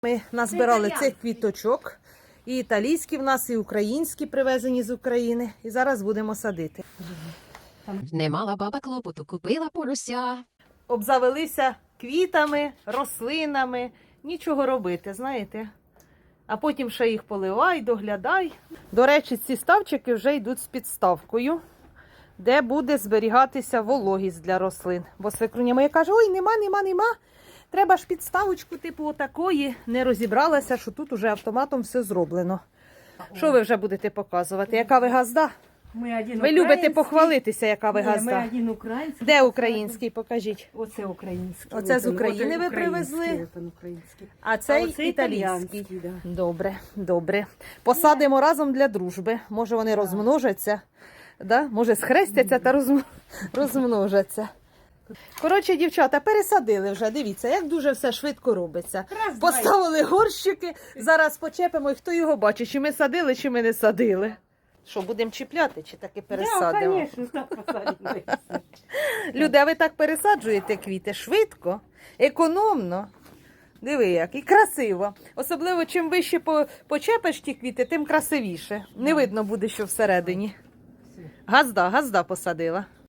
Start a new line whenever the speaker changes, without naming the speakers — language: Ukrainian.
Ми назбирали цих квіточок. І італійські в нас, і українські привезені з України. І зараз будемо садити.
Не мала баба клопоту, купила порося.
Обзавелися квітами, рослинами. Нічого робити, знаєте. А потім ще їх поливай, доглядай. До речі, ці ставчики вже йдуть з підставкою, де буде зберігатися вологість для рослин. Бо свекруня моя каже, ой, нема. Треба ж підставочку типу отакої. Не розібралася, що тут уже автоматом все зроблено. Що ви вже будете показувати? Яка ви газда? Ви любите похвалитися, яка ви газда.
Ми один український.
Де український? Покажіть.
Оце український.
Оце з України ви привезли? А цей
оце
італійський.
да.
Добре. Посадимо разом для дружби. Може вони розмножаться, да? Може схрестяться та розмножаться. Коротше, дівчата, пересадили вже, дивіться, як дуже все швидко робиться. Поставили горщики, зараз почепимо, і хто його бачить, чи ми садили, чи ми не садили. Що, будемо чіпляти, чи таки пересадимо?
Так, звісно, так посадимо.
Люди, а ви так пересаджуєте квіти швидко, економно. Диви як, і красиво. Особливо, чим вище почепиш ті квіти, тим красивіше. Не видно буде, що всередині. Газда посадила.